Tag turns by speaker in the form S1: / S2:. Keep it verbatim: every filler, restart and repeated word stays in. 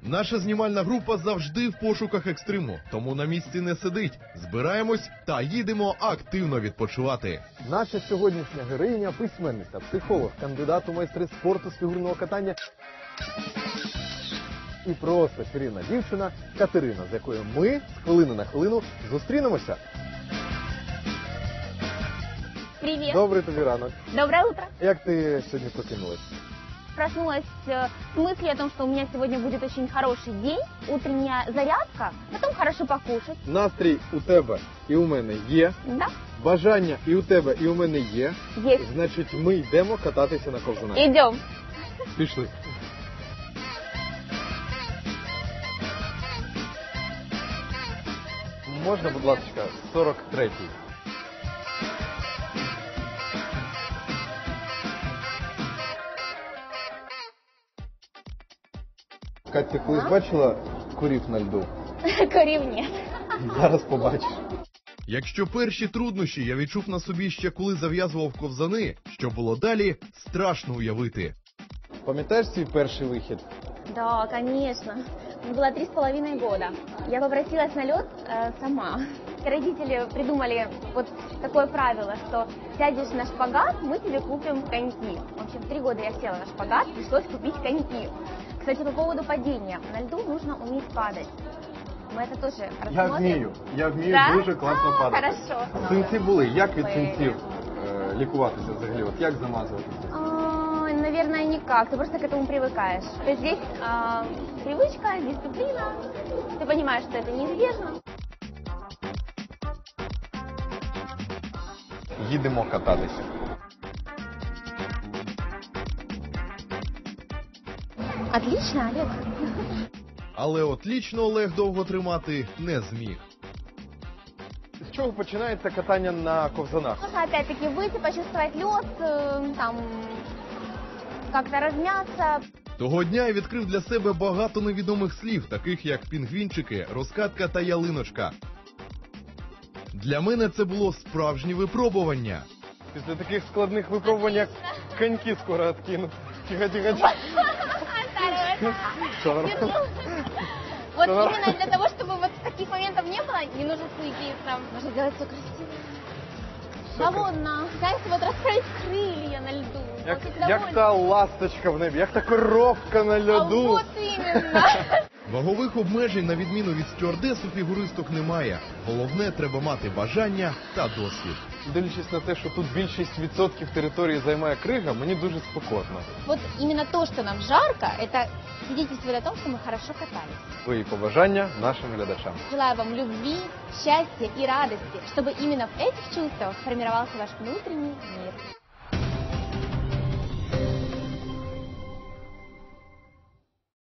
S1: Наша знімальна група завжди в пошуках екстриму, тому на місці не сидить. Збираємось та їдемо активно відпочивати.
S2: Наша сьогоднішня героїня – письменниця, психолог, кандидат у майстри спорту з фігурного катання і просто чарівна дівчина Катерина, з якою ми з хвилини на хвилину зустрінемося.
S3: Привет.
S2: Добрий тобі ранок.
S3: Доброе утро.
S2: Як ти сьогодні прокинулась?
S3: Проснулась э, с мыслью о том, что у меня сегодня будет очень хороший день, утренняя зарядка, потом хорошо покушать.
S2: Настрій у тебе і у мене є.
S3: Да?
S2: Бажання і у тебе, і у мене є.
S3: Есть.
S2: Значить, ми йдемо кататися на ковзанах.
S3: Идем.
S2: Пішли. Можна, будь ласка, сорок третій. Кать, ти колись бачила курів на льду?
S3: Корів нет.
S2: Зараз побачиш.
S1: Якщо перші труднощі я відчув на собі ще коли зав'язував ковзани, що було далі, страшно уявити.
S2: Пам'ятаєш свій перший вихід?
S3: Да, конечно. Мне было три с половиной года. Я попросилась на лед э, сама. Родители придумали вот такое правило, что сядешь на шпагат, мы тебе купим коньки. В общем, в три года я села на шпагат, пришлось купить коньки. Кстати, по поводу падения. На льду нужно уметь падать. Мы это тоже рассмотрим.
S2: Я вмію. Я вмію
S3: Да?
S2: дуже класно
S3: А,
S2: падати.
S3: хорошо.
S2: Синці були. Як від
S3: Ой.
S2: синців е, лікуватися взагалі? От як замазувати?
S3: А, наверное, никак. Ты просто к этому привыкаешь. То есть здесь а, привычка, дисциплина. Ты понимаешь, что это неизбежно.
S2: Їдемо кататися.
S3: Отлично, Олег.
S1: Але от лічно Олег довго тримати не зміг.
S2: З чого починається катання на ковзанах?
S3: Нужно опять-таки выйти, почувствовать лед, э, там, как-то размяться.
S1: Того дня я відкрив для себе багато невідомих слів, таких як пінгвінчики, розкатка та ялиночка. Для мене це було справжнє випробування.
S2: Після таких складних випробувань, як коньки скоро откинуть. Тихо, тихо, тихо. Що нормально?
S3: Вот
S2: Что?
S3: именно для того, чтобы вот таких моментов не было, не нужно суетиться. Нужно делать все красиво. Свободно. Знаете, вот расправить крылья на льду.
S2: Як,
S3: Вот
S2: як
S3: довольно.
S2: та ласточка в небі, як та коровка на
S3: А
S2: льоду.
S3: вот именно.
S1: Вагових обмежень, на відміну від стюардес, у фігуристок немає. Головне, треба мати бажання та досвід.
S2: Дивлячись на те, що тут більшість відсотків території займає крига, мені дуже спекотно.
S3: Вот именно то, что нам жарко, это свидетельствует о том, что мы хорошо катались.
S2: Свої побажання нашим глядачам.
S3: Желаю вам любви, счастья и радости, чтобы именно в этих чувствах формировался ваш внутренний мир.